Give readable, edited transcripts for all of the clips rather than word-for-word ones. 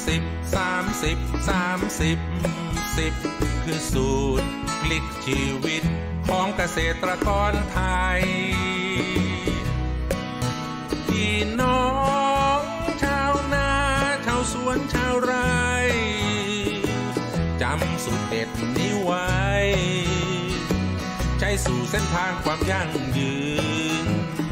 10คือสูตรพลิกชีวิตของเกษตรกรไทยพี่น้องชาวนาชาวสวนชาวไร่จำสูตรเด็ดนี้ไว้ใช้สู่เส้นทางความยั่งยืน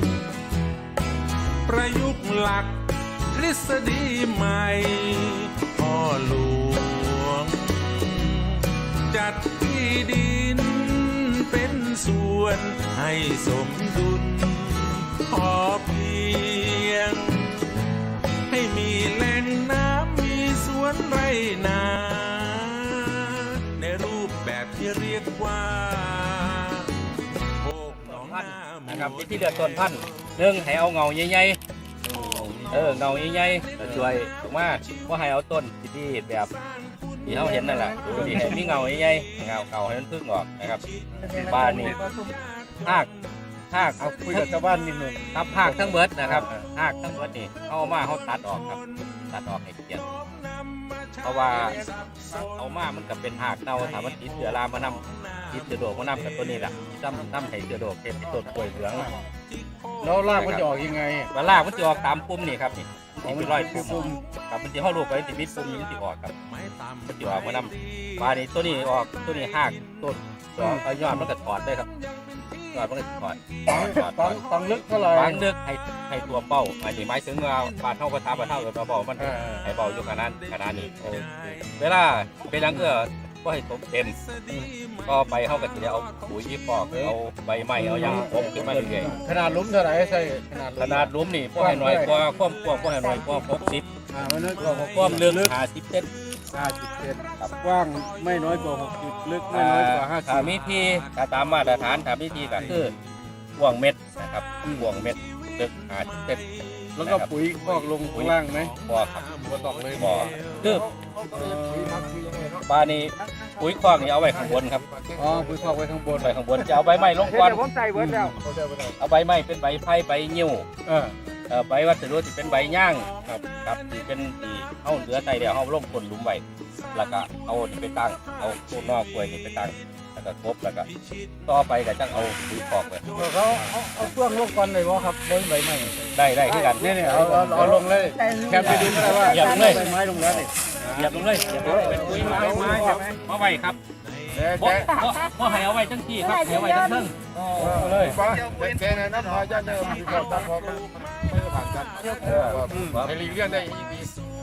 ประยุกต์หลักทฤษฎีใหม่พ่อหลวงจัดที่ดินเป็นส่วนให้สมดุลพอเพียงให้มีแหล่งน้ำมีสวนไรนาในรูปแบบที่เรียกว่าโคกหนองนานะครับที่เดือดต้นพันธุ์หนึ่งให้เอาเงาใหญ่ๆเงาใหญ่ๆช่วยถูกไหมว่าให้เอาต้นที่แบบที่เขาเห็นนั่นแหละที่ให้มีเงาใหญ่ๆเงาให้มันพึ่งออกนะครับบ้านนี่หากเอาคุยกับชาวบ้านนิดนึงครับหากทั้งเบิดนะครับหากทั้งเบิดนี่เอามาเขาตัดออกครับตัดออกให้เกลี่ยเพราะว่าเอามามันกับเป็นหากเน่าถามมันติดเชื้อรามานำติดเชื้อโรคมานำกับตัวนี้แหละน้ำให้เชื้อโรคเป็นต้นกล้วยเหลืองแล้วรากมันจะออกยังไงรากมันจะออกตามปุ่มนี่ครับนี่เป็นรอยปุ่มครับมันจะเข้ารูปไปติดมิดปุ่มมันจะออกครับมันจะออกมานำปลานี่ตัวนี้ออกตัวนี้หากต้นเอายอดมันก็ถอดได้ครับยอดมันก็ถอดฟังลึกเท่าไหร่ฟังลึกให้ตัวเป้าหมายถึงว่าปลาเท่าปลาเท่ากับปลาเป้ามันให้เป้าอยู่ขนาดนี้เวลาเป็นหลังก็ให้ตกเต็มก็ไปเข้ากับทีเดียวเอาปุ๋ยปอกเอาใบไม้เอายังปกขึ้นมาเรื่อยๆขนาดลุ้มเท่าไหร่ใช่ขนาดลุ้มนี่พวกให้หน่อยกว่าความกว้างพวกให้หน่อยกว่า60 ไม่น้อยกว่าความลึก50 เซนกว้างไม่น้อยกว่า60ลึกไม่น้อยกว่า50 ถ้ามีที่ตามมาตรฐานถ้ามีที่ก็คือกว้างเม็ดนะครับกว้างเม็ดลึก50 เซนแล้วก็ปุ๋ยพอกลงข้างล่างไหมบ่ครับบ่ต้องเลยบ่คือปลานี่ปุ๋ยคอกนี่เอาไว้ข้างบนครับปุ๋ยคอกไว้ข้างบนจะเอาใบไม้ลงก่อนผมใส่เบิดแล้วเอาใบไม้เป็นใบไผ่ใบยิ้วใบวัสดุที่เป็นใบย่างครับที่เป็นที่เอาเหลือใส่เดี๋ยวเอาลงคนหลุมไว้แล้วก็เอานี่ไปตั้งเอาต้นนอกกล้วยนี่ไปตั้งแล้วก็ครบแล้วก็ต่อไปก็จังเอาปุ๋ยคอกไปเขาเอาเครื่องลงก่อนเลยว่าครับใบไม้ได้ที่กันนี่เอาลงเลยแค่ไปดูก็ได้ว่าใบไม้ลงแล้วนี่เหยียบลงเลยเป็นปุ๋ยไม้เอาไว้ครับก็ให้เอาไว้ทั้งที่ครับเอาไว้ทั้งเทิงเลยแค่นั้นนะพอจะเดิมที่เราตั้งพอมันไม่ผ่านกันให้ลีเลี่ยนได้ดี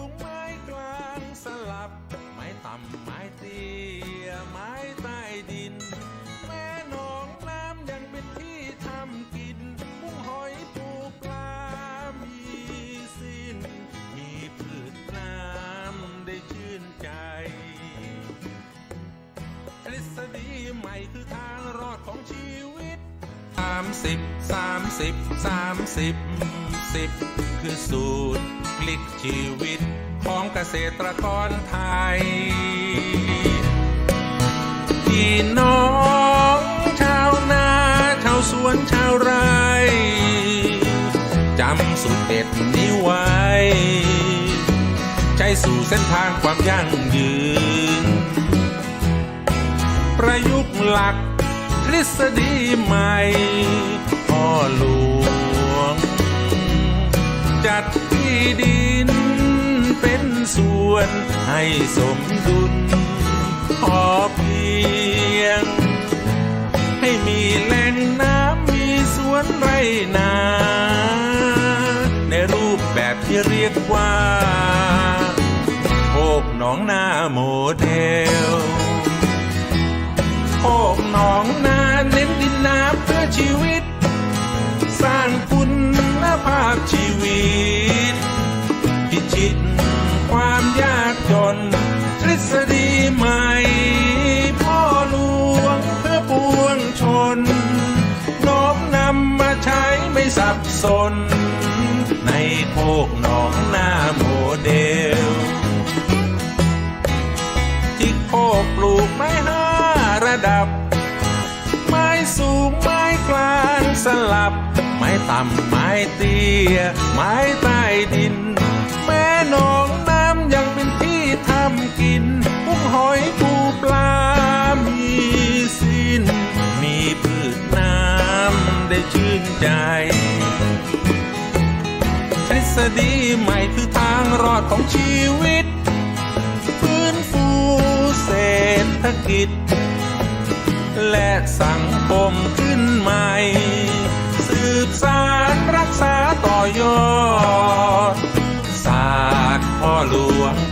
ไม้ต่ำไม้เตี้ยไม้ใต้ดินแม่หนองน้ำยังเป็นที่ทำกินกุ้งหอยปูปลามีสิ้นมีพืชน้ำได้ชื่นใจทฤษฎีใหม่คือทางรอดของชีวิต10คือสูตรพลิกชีวิตของเกษตรกรไทยพี่น้องชาวนาชาวสวนชาวไร่จำสูตรเด็ดนี้ไว้ใช้สู่เส้นทางความยั่งยืนประยุกต์หลักทฤษฎีใหม่พ่อหลวงจัดที่ดินเป็นส่วนให้สมดุลพอเพียงให้มีแหล่งน้ำมีสวนไรนาในรูปแบบที่เรียกว่าโคกหนองนาโมเดลโคกหนองนาเน้นดินน้ำเพื่อชีวิตสร้างคุณภาพชีวิตพิชิตความยากจนทฤษฎีใหม่พ่อหลวงเพื่อปวงชนน้อมนำมาใช้ไม่สับสนในโคกหนองนาโมเดลที่โคกปลูกไม้5 ระดับไม้สูงไม้กลางสลับไม้ต่ำไม้เตี้ยไม้ใต้ดินแม่หนองน้ำยังเป็นที่ได้ชื่นใจทฤษฎีใหม่คือทางรอดของชีวิตฟื้นฟูเศรษฐกิจและสังคมขึ้นใหม่สืบสานรักษาต่อยอดศาสตร์พ่อหลวง